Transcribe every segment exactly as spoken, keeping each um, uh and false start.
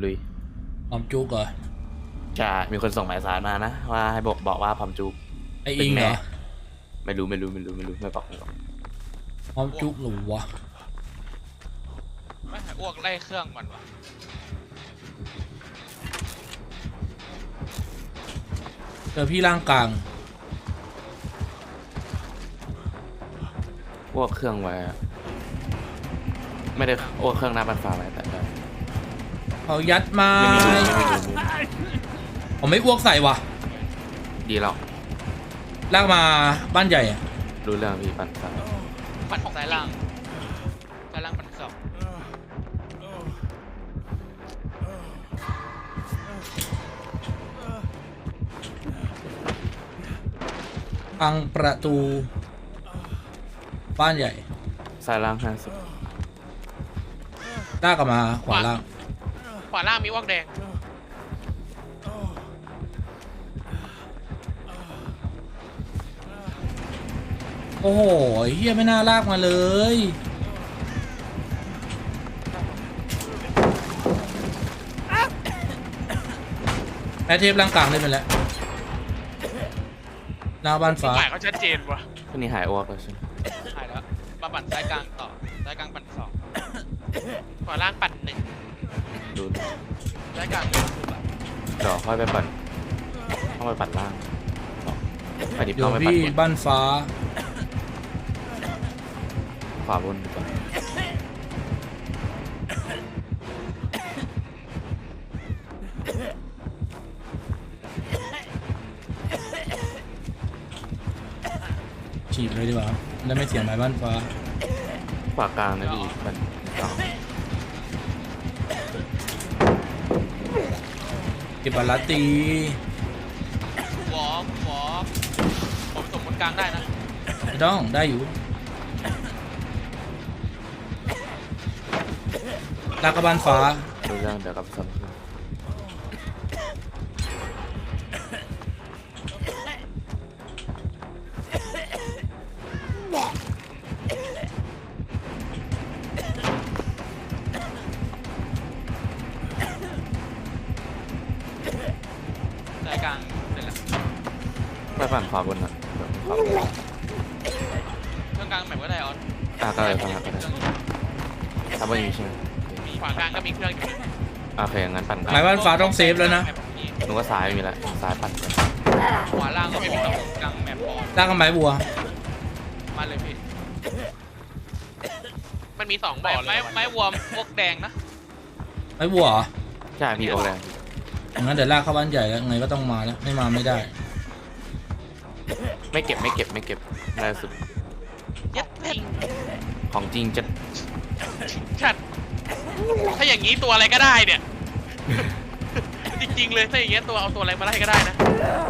ลุยพร้อมจุกเหรอจะมีคนส่งหมายสารมานะว่าให้บอกบอกว่าพร้อมจุกไออิงเหรอไม่รู้ไม่รู้ไม่รู้ไม่รู้ไม่บอกไม่บอกพร้อมจุกหรือวะไม่หายอ้วกไล่เครื่องมันวะเจอพี่ร่างกลางอ้วกเครื่องไว้ไม่ได้อ้วกเครื่องหน้าบันฟ้าไว้แต่เขายัดมาผมไม่อ้วกใส่วะดีแล้วลากมาบ้านใหญ่อะรู้เรื่องพี่ปั่นซ้ายปั่นของสายล่างสายล่างปั่นสองพังประตูบ้านใหญ่สายล่างห้าสิบลากกลับมาขวาล่างขวาล่างมีวอกแดงโอ้โหเฮียไม่น่าลากมาเลยแพ้เทปร่างกลางได้ไปแล้วหน้าบ้านฟ้าหมายเขาชัดเจนวะคนนี้หายอ้วกแล้วใช่ไหมหายแล้วมาปั่นสายกลางต่อสายกลางปั่นสองขวาล่างปั่นหนึ่งดูสายกลางเดี๋ยวค่อยไปปั่นต้องไปปั่นล่างไปดิบต้องไปปั่นบ้านฟ้าขวาบนก่อนฉีดเลยดีกว่าแล้วไม่เสียหมายบ้านฟ้าขวากลางนะพี่มันเก็บบาลาตีวอล์กวอล์กผมส่งบนกลางได้นะไม่ต้องได้อยู่ลากกระบาลฟ้าดูเรื่องเดี๋ยวกับซ้ำสายกลางเสร็จแล้วไปปั่นขวาบนนะเครื่องกลางแบบก็ได้ออนอ่าก็เลยฟังก็ได้ทำไม่มีใช่ไหมมีขวากลางก็มีเครื่องอยู่โอเคงั้นปั่นหมายบ้านฟ้าต้องเซฟแล้วนะหนูก็ซ้ายมีแล้วซ้ายปั่นขวาล่างก็ไม่มีต้องกลางแมปบอลลากกันไม้บัวมาเลยพี่มันมีสองบ่อไม้ไม้วัวพวกแดงนะไม้บัวใช่พี่โอแดงงั้นเดี๋ยวลากเข้าบ้านใหญ่แล้วไงก็ต้องมาแล้วไม่มาไม่ได้ไม่เก็บไม่เก็บไม่เก็บได้สุดยัดจริงของจริงจะชัดถ้าอย่างนี้ตัวอะไรก็ได้เนี่ยจริงๆเลยถ้าอย่างเงี้ยตัวเอาตัวอะไรมาไล่ก็ได้นะ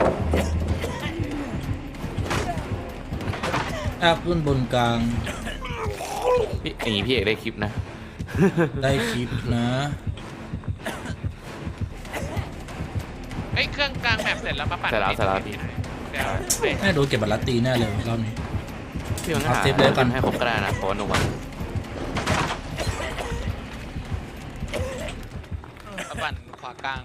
ลากขึ้นบนกลางพี่อย่างนี้พี่เอกได้คลิปนะได้คลิปนะไอ้เครื่องกลางแมปเสร็จแล้วมาปั่นเสร็จแล้วเสร็จแล้วพี่แม่ดูเก็บบาลาตีแน่เลยรอบนี้พี่มันหาเซฟเลยกันให้ครบก็ได้นะเพราะว่าหนูวันปั่นขวากลาง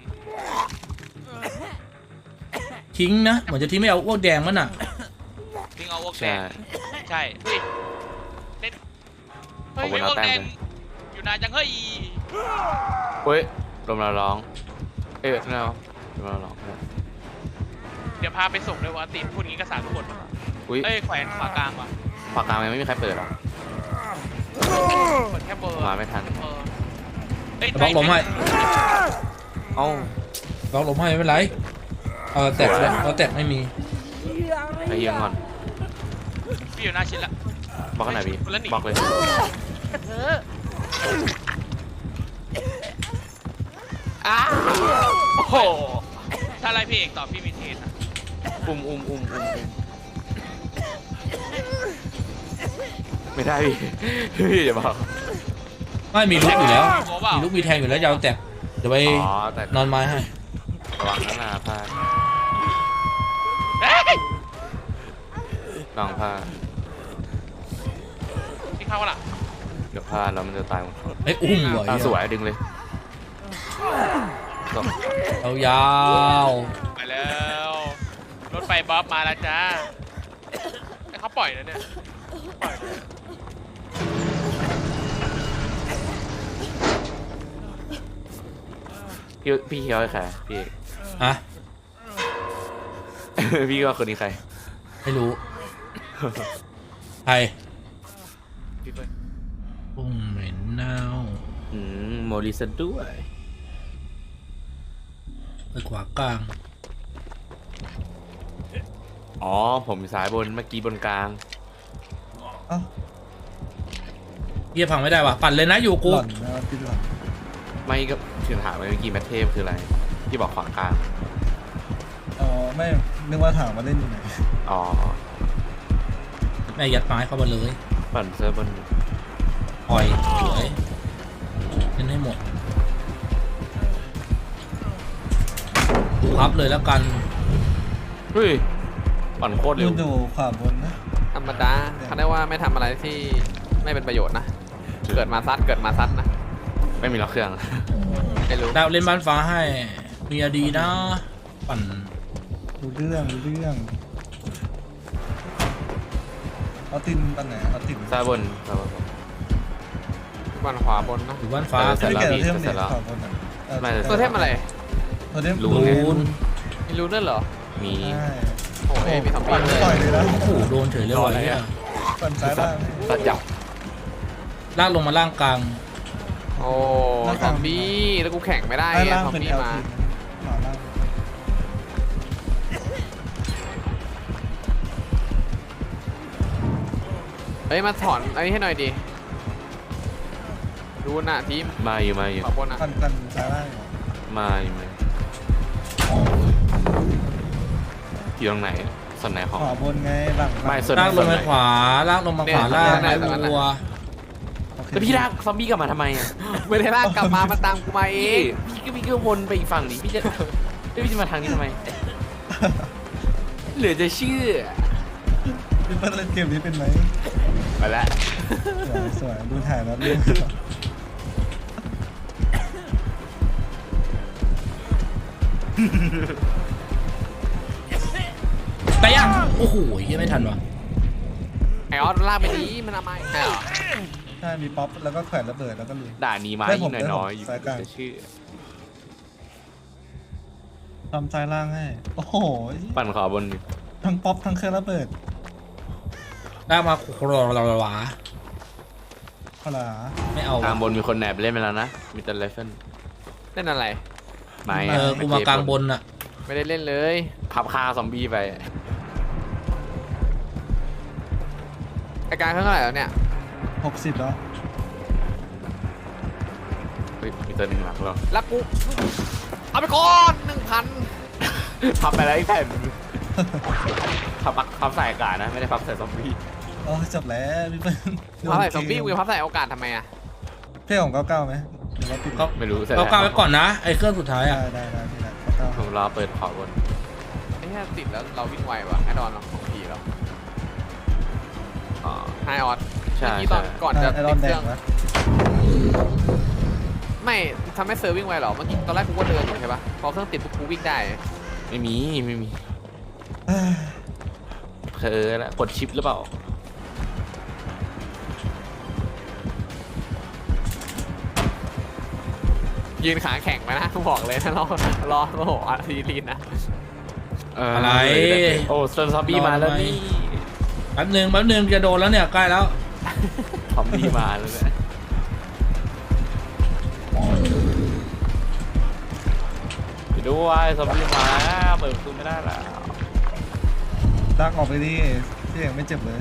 ทิ้งนะเหมือนจะทิ้งไม่เอาอ้วกแดงมันอ่ะทิ้งเอาอ้วกแดงใช่เฮ้ยเฮ้ยอ้วกแดงอยู่นานจังเฮ้ยเฮ้ยลมเราร้องเอ๊ะเราลมเราร้องเดี๋ยวพาไปส่งด้วยวะติพูดงี้ก็สารทุกคนเอ้ยแขวนขวากลางว่ะขวากลางยังไม่มีใครเปิดหรอเปิดแค่เบอร์มาไม่ทันบล็อกลมให้เอ้าบล็อกลมให้ไม่เป็นไรเออแตกแล้วเราแตกไม่มีไอ้ยังก่อนพี่อยู่หน้าชิ้นละบล็อกไหนพี่บล็อกเลยอ้าโอ้โหถ้าไล่พี่เอกต่อพี่มีเทสอุ้มอุ้มอุ้มอุ้มไม่ได้พี่พี่อย่าบอกไม่มีลูกอยู่แล้วมีลูกมีแทงอยู่แล้วยาวแตกเดี๋ยวไปนอนไม้ให้ระวังนะนาพลาดลองพลาดที่เข้าล่ะเดี๋ยวพลาดแล้วมันจะตายหมดไอ้อุ้มว่ะสวยดึงเลยเอายาวไปแล้วรถไฟบ๊อบมาแล้วจ้าแต่เขาปล่อยนะเนี่ยปล่อยพี่พี่เคียวให้ใครพี่อะพี่ว่าคนนี้ใครไม่รู้ ใครพี่เปิ้ลปุ้งเหม็นเน่าอืมโมลิสด้วยไปขวากลางอ๋อผมอยู่ซ้ายบนเมื่อกี้บนกลางเอ้าเฮียพังไม่ได้ว่ะปั่นเลยนะอยู่หกูล่อนนะพี่หล่อนไม่ก็ถึงถามไปเมื่อกี้แมทเทพคืออะไรที่บอกขวางกลางอ๋อไม่นึกว่าถามมาเล่นอยู่ไหนอ๋อแม่ยัดไม้เข้ามาเลยปั่นเซิร์ฟบนปล่อยสวยเล่นให้หมดพับเลยแล้วกันเฮ้ยปั่นโคตรอเร็วยู่อยู่ขวาบนนะธรรมดาเขาได้ว่าไม่ทำอะไรที่ไม่เป็นประโยชน์นะ เกิดมาซัดเกิดมาซัดนะไม่มีล็อกเครื่องไม่รู้ดาวเล่นบ้านฟ้าให้เมียดีนะ ปั่นรู้เรื่องรู้เรื่องเอาตินปันไหนเอาตินซ้ายบนซ้ายบนบนขวาบนนะอยู่บ้านฟ้าเสร็จไม่แล้วเกี่ยวพี่เทมเสร็เนี่ยจแล้วขวาบนอ่ะออไม่ตัวเทพอะไรตัวเทมรู้รูไงนไม่รู้นั่นเหรอมีใช่โอ้ยมีทอมบี้ปั่นด้วยต่อยเลยนะโอ้โหโดนเฉยเลยว่ะเนี่ยปั่นซ้ายล่างตัดจับลากลงมาล่างกลางโอ้ทอมบี้แล้วกูแข่งไม่ได้ซ้ายไงล่างทอมเป็นบี้เอลมาทีขวาล่างเฮ้ยมาถอนไอ้ให้หน่อยดิดูน่ะทีมมาอยู่มาอยู่ขวาบนนะปั่นปั่นซ้ายล่างอยู่มาอยู่มาอยู่ตรงไหนส่วนไหนของขวาบนไงหลังไม่ส่วนลากลงมาขวาลากลงมาขวาล่างไม้วัวโอเคแล้วพี่ลากซอมบี้กลับมาทำไมอ่ะไม่ได้ลากกลับมามันตามกูมาเอพี่งพี่ก็พี่ก็วนไปอีกฝั่งนี้พี่จะเอ้ยพี่จะมาทางนี้ทำไมเหลือจะเชื่อพี่เปิ้ลเล่นเกมนี้เป็นไหมไปแล้วสวยสวยดูถ่ายแล้วเล่นแต่ยังโอ้โหยังไม่ทันวะไอออสลากไปดีมันทำไมใช่เหรอใช่มีป๊อปแล้วก็แขวนระเบิดแล้วก็ลุยด่านี้มาได้อีผกมหน่อยได้ผมน้อยอยู่สายกลางจะเชื่อทำซ้ายล่างให้ โอ้โหปั่นขวาบนดิทั้งป๊อปทั้งเครื่องระเบิดลากมาโครลาวาพลาไม่เอากลางบวะนมีคนแหนบเล่นไปแล้วนะมีแต่ไรเฟิลเล่นอะไรไม้เออกูมากลางบนอะไม่ได้เล่นเลยพับคาซอมบี้ไปไอการเครื่องเท่าไหร่แล้วเนี่ยหกสิบแล้วเฮ้ยมีตัวหนึ่งหลักเราแล้วกูเอาไปก่อนหนึ่งพันพับไปแล้วอีกแผ่นพับปักพับใส่อากาศนะไม่ได้พับใส่ซอมบี้โอ้ยจบแล้วพี่เปิ้ลพับใส่ซอมบี้กูจะพับใส่โอกาสทำไมอ่ะเพ่ของเก้าเก้าไหมหรือว่าปิดก็ไม่รู้เสร็จเราแล้วกลางไว้ก่อนนะไอ้เครื่องสุดท้ายได้อะได้ได้พี่นะเก้าผเก้ามรอเปิดขวาบนไอ้แค่ติดแล้วเราวิ่งไวว่ะไอดอนเราของผีเราอ๋อไอออสใช่เมื่อกี้ตอนใช่ก่อนจะไอรติอนดแดเครื่อง งนะไม่ทำให้เซอร์วิ่งไวหรอเมื่อกี้ตอนแรกกูก็เดินอยู่ใช่ปะพอเครื่องติดปุ๊บกูวิ่งได้ไม่มีไม่มีเอ้ยเคยแล้วกดชิปหรือเปล่ายืนขาแข็งไปนะกูบอกเลยนะรอรอโอ้โหอาร์ทีลีนนะเอะไรโอ้ซอมบี้มาแล้วนี่แป๊บหนึงแป๊บหนึงจะโดนแล้วเนี่ยใกล้แล้วซอมบี้มาแล้วเนี่ยไปด้วยซอมบี้มาแล้วเปิดประตูไม่ได้แล้วลากออกไปดิพี่เองไม่เจ็บเลย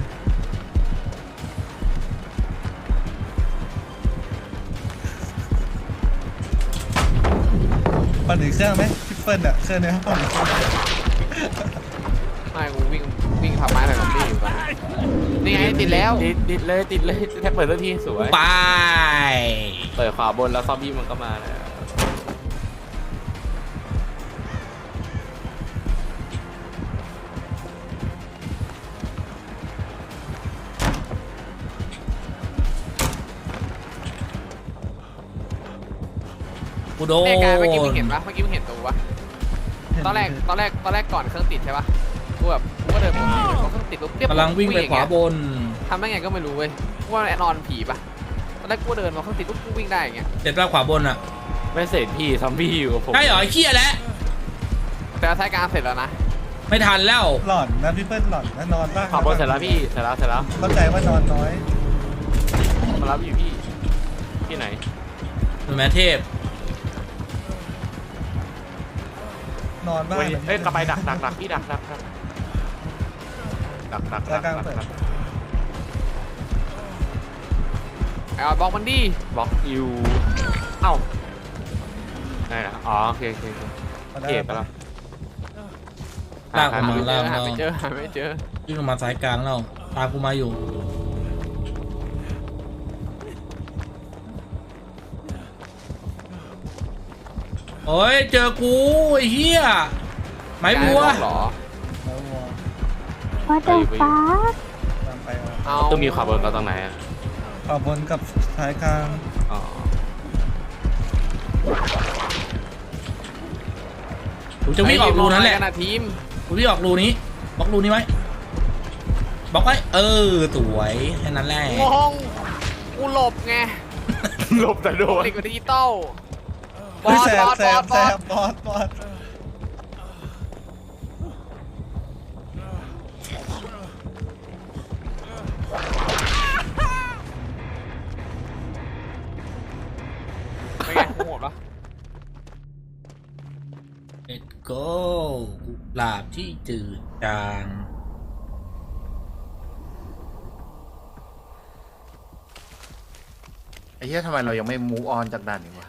ปั่นอีกเครื่องไหมพี่เปิ้ลอะเครื่องเนี้ยปั่นอีกเครื่องไม่กูวิ่งวิ่งพับไม้ใส่ซอมบี้อยู่ตอนนี้นี่ไงติดแล้วติดติดเลยติดเลยแค่เปิดสักทีสวยไปเปิดขวาบนแล้วซอมบี้มันก็มาแล้วโดนแน่การเมื่อกี้มึงเห็นปะเมื่อกี้มึงเห็นตัวปะตอนแรกตอนแรกตอนแรกก่อนเครื่องติดใช่ปะกูแบบกูก็เดินไปพอเครื่องติดปุ๊บเรียบกำลังวิ่งไปขวาบนทำได้ไงก็ไม่รู้เว้ยกูว่าแอนนอนผีปะตอนแรกกูเดินมาเครื่องติดปุ๊บกูวิ่งได้อย่างเงี้ยเสร็จแล้วขวาบนอ่ะไม่เสร็จพี่ซอมบี้อยู่กับผมใช่เหรอไอ้เหี้ยแล้วแต่ท้ายกลางเสร็จแล้วนะไม่ทันแล้วหลอนนะพี่เปิ้ลหลอนนะนอนบ้างขวาบนเสร็จแล้วพี่เสร็จแล้วเสร็จแล้วเข้าใจว่านอนน้อยมารับอยู่พี่ที่ไหนหนูแม่เทพนอนบ้างเฮ้ยเอ้ยกลับไปดักดักดักพี่ดักดักดักดักดักดักดักดักไอ้ออดบอกมันดิบล็อกอยู่เอ้าได้นะอ๋อโอเคโอเคโอเคมาได้เก็บไปแล้วลากออกมาลากหามาไม่เจอหาไม่เจอวิ่งลงมาสายกลางแล้วตามกูมาอยู่โอ้ยเจอกูไอ้เหี้ยไม้บัวกายบอกเหรอแล้ววัว What the fuck ตามไปเอาเอาต้องมีขวาบนกับตรงไหนอ่ะขวาบนกับท้ายกลางอ๋อกูจะวิ่งออกรูนั้นแหละไอ้มองอะไรกันะทีมกูวิ่งออกรูนี้บล็อกรูนี้ไว้บล็อกไว้เออสวยแค่นั้นแหละงงกูหลบไงหลบแต่โดนติดกับดิจิตอลบอเฮ้ยสแสบบ อสแสบอบ สแสบอสบบอสบอสเป็นไงกูโหดปะเอ็ดโก้กุหลาบที่จืดจางไอ้เหี้ยทำไมเรายังไม่ move on จากด่านนี้วะ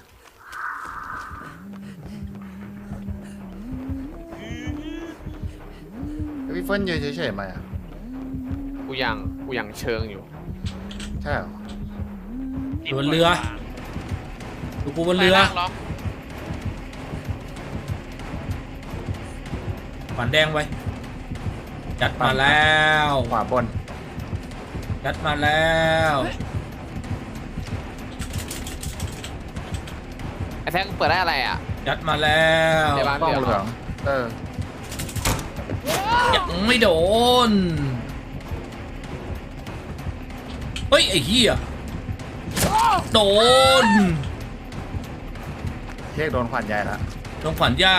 แล้วพี่เฟิร์นยืนเฉยๆไหมอ่ะกูยังกูยังเชิงอยู่ใช่เหรอบนเรือดูกูบนเรือไปลากล็อกขวานแดงไว้จัดมาแล้วขวาบนจัดมาแล้วไอ้แท็กเปิดได้อะไรอ่ะจัดมาแล้วเดี๋ยวบ้านกล้องเหลือง เออยังไม่โดนเฮ้ยไอ้เหี้ยโดนเรียกโดนขวัญใหญ่ละโดนขวานใหญ่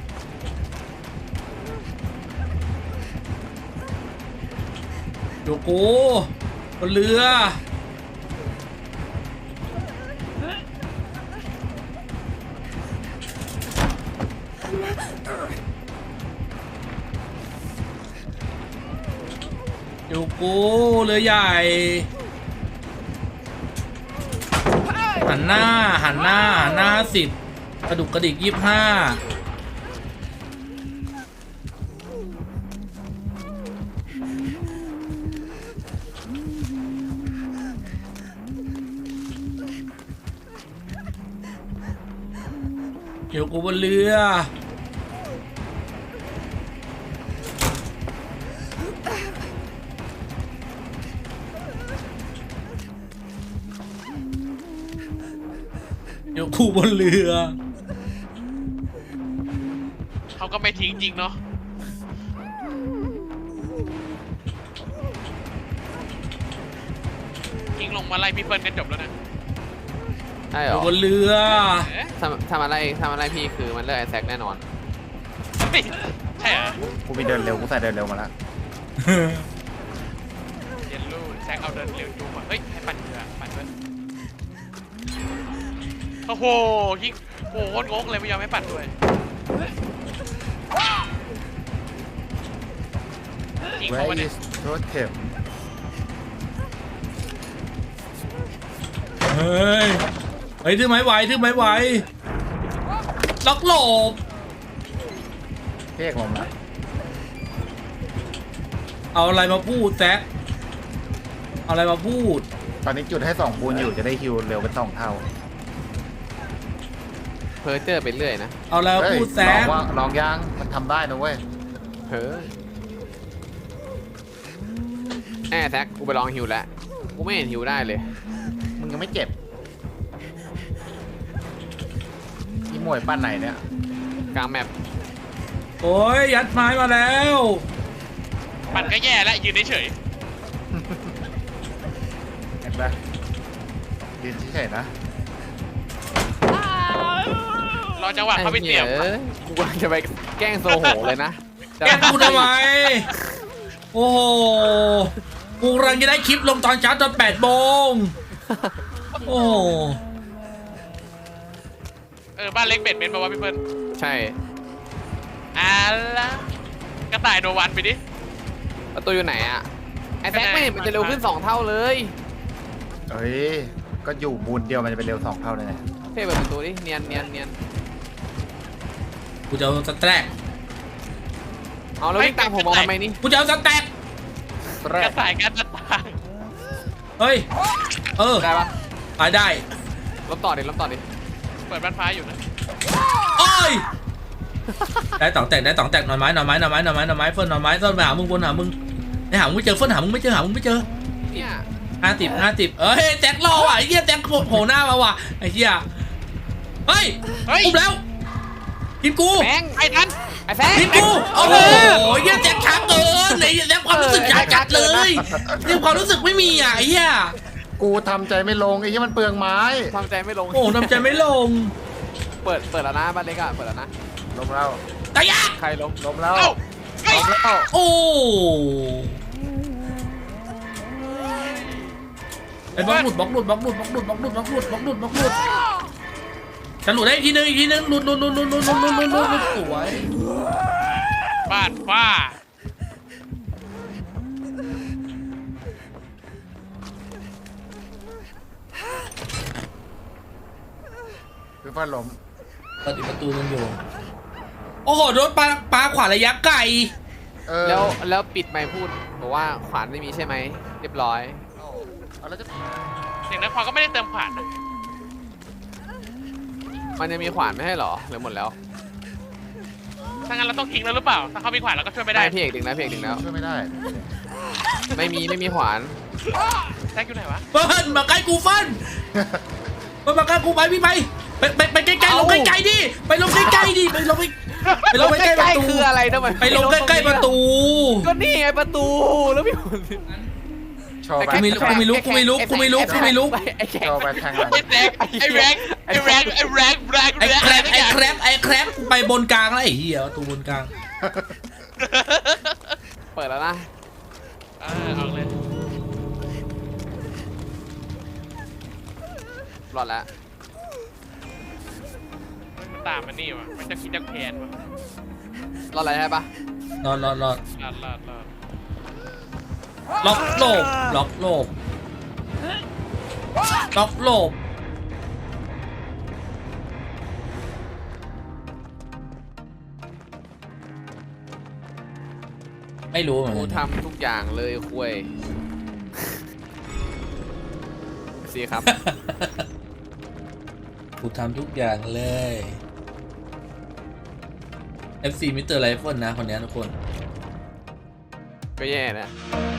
อยู่กูบนเรืออยู่กูเรือใหญ่หันหน้าหันหน้าหันหน้าสิบกระดุกกระดิกยี่ห้าอยู่กูบนเรืออยู่กูบนเรือเขาก็ไม่ทิ้งจริงเนาะทิ้งลงมาไล่พี่เปิ้ลกันจบแล้วนะได้เหอรยู่อบนเรือเอ๊ะทำทำอะไรทำอะไรพี่คือมันเลือกไอ้แท็กแน่นอนเฮ้ยใช่เหรอกูมีเดินเร็ว กูใส่เดินเร็วมาแล้วเย็นลูแซกเอาเดินเร็วจูงมาเฮ้ยให้ปั่นเรือปั่นด้วยโอ้โหยิงโอ้โหงงเลยไม่ยอมให้ปั่นด้วยยิงเขา Where วะเนี่ย is totem เฮ้ยเฮ้ยถือไม้ไหวถือไม้ไหวล็อกหลบเรียกลงมาเอาอะไรมาพูดแซกเอาอะไรมาพูดตอนนี้จุดให้สองคูณอยู่จะได้ฮิวเร็วเป็นสองเท่าเพอเจอร์ไปเรื่อยนะเอาอะไรมาเฮ้ยพูดแซลองกว่าลองยังมันทำได้นะเว้ยเฮ้ยแน่แท็กกูไปลองฮิวแล้วกูไม่เห็นฮิวได้เลยมึงยังไม่เจ็บหมวยปั้นไหนเนี่ยกลางแมปโอ้ยยัดไม้มาแล้วปั่นก็แย่แล้วยืนเฉยเห็นปะยืนเฉยๆนะๆรอจังหวะเขาไปเสียบไอ้หี้กูกำลังจะไปแกล้งโซโหเลยนะแกกูทำไมโอ้โหกูกำลังจะได้คลิปลงตอนเช้าตอนแปดโมงโอ้โหเออบ้านเล็กเบ็ดเม้นบอกว่าพี่เปิ้ลใช่อ่ะละกระต่ายโนวันไปดิประตูอยู่ไหนอะไอ้แซกไม่เห็นมันจะเร็วขึ้นสองเท่าเลยเอ้ยก็อยู่บูนเดียวมันจะเป็นเร็วสองเท่าเลยไงเพ่เปิดประตูดิเนียนเนียนเนียนกูจะเอาสแต็กเอาแล้ววิ่งตามผมมาทำไมนี่กูจะเอาสแต็กแรกกระต่ายกันกระต่ายเฮ้ยเออได้ปะไปได้ลบต่อดิลบต่อดิเปิดบ้านฟ้าอยู่นะโอ้ยได้ตองแตกได้ตองแตกหน่อไม้หน่อไม้หน่อไม้หน่อไม้หน่อไม้เฟิร์นหน่อไม้เฟิร์นไปหามึงบนหามึงไอ้หามึงไม่เจอเฟิร์นหามึงไม่เจอหามึงไม่เจอเนี่ยห้าสิบห้าสิบเอ้ยแจ็ครอว่ะไอ้เหี้ยแจ็คโผล่หน้ามาว่ะไอ้เหี้ยเฮ้ยเฮ้ยอุ้มแล้วทีมกูแบงค์ไอ้นั้นไอ้แซกทีมกูโอ้โหเหี้ยแจ็คช้าเกินไอ้เหี้ยแจ็คความรู้สึกช้าจัดเลยเรื่องความรู้สึกไม่มีอ่ะไอ้เหี้ยกูทำใจไม่ลงไอ้ที่มันเปลืองไม้ทำใจไม่ลงโอ้ทำใจไม่ลงเปิดเปิดแล้วนะบ้านเล็กอะเปิดแล้วนะลมแล้วตายยะใครลงลมแล้วเอ้าเฮ้ยลมแล้วโอ้ไอ้บล็อกหลุดบล็อกหลุดบล็อกหลุดบล็อกหลุดบล็อกหลุดบล็อกหลุดบล็อกหลุดบล็อกหลุดจะหลุดได้อีกทีนึงอีกทีนึงหลุดหลุดหลุดหลุดหลุดหลุดหลุดหลุดหลุดหลุดสวยบ้านฟ้าคือฟันลมเปิดอีกประตูนึงอยู่โอ้โหโดนปลาปลาขวานระยะไกลเออแล้วแล้วปิดไมค์พูดบอกว่าขวานไม่มีใช่ไหมเรียบร้อยเอาแล้วจะเสียงนักความก็ไม่ได้เติมขวานนะมันยังมีขวานไม่ให้เหรอหรือหมดแล้วถ้างั้นเราต้องทิ้งแล้วหรือเปล่า ถ้าเขามีขวานเราก็ช่วยไม่ได้ได้พี่เอกดึงนะพี่เอกดึงแล้วช่วยไม่ได้ไม่มีไม่มีขวานแซกอยู่ไหนวะเฟิร์นมาใกล้กูเฟิร์นเฟิร์นมาใกล้กูไปพี่ไปไปไปไปใกล้ๆลงใกล้ๆดิไปลงใกล้ๆดิไปลงไปไปลงใกล้ๆประตูคืออะไรทำไมไปลงใกล้ๆประตูก็นี่ไงประตูแล้วพี่โชว์ไปกูไม่รู้กูไม่รู้กูไม่รู้กูไม่รู้กูไม่รู้ไอ้แขกโชว์ไปทางหลังไอ้แซกไอ้แรงไอ้แรงไอ้แรงแรงไอ้แรงแครบทุกไอ้อย่างแครบไอ้แครบกูไปบนกลางแล้วไอ้เหี้ยประตูบนกลางเปิดแล้วนะเออเอาเลยรอดแล้วมันตามมันนี่วะมันจะคิดจะแค้นวะรอดอะไรใช่ปะรอดรอดรอดลาดลาดลาดล็อกโลบล็อกโลบล็อกโลบไม่รู้เหมือนกูกันทำทุกอย่างเลยคุยสิครับกูทำทุกอย่างเลย เอฟ ซี มิสเตอร์ไรเฟิลนะคนนี้ทุกคนก็แย่นะเ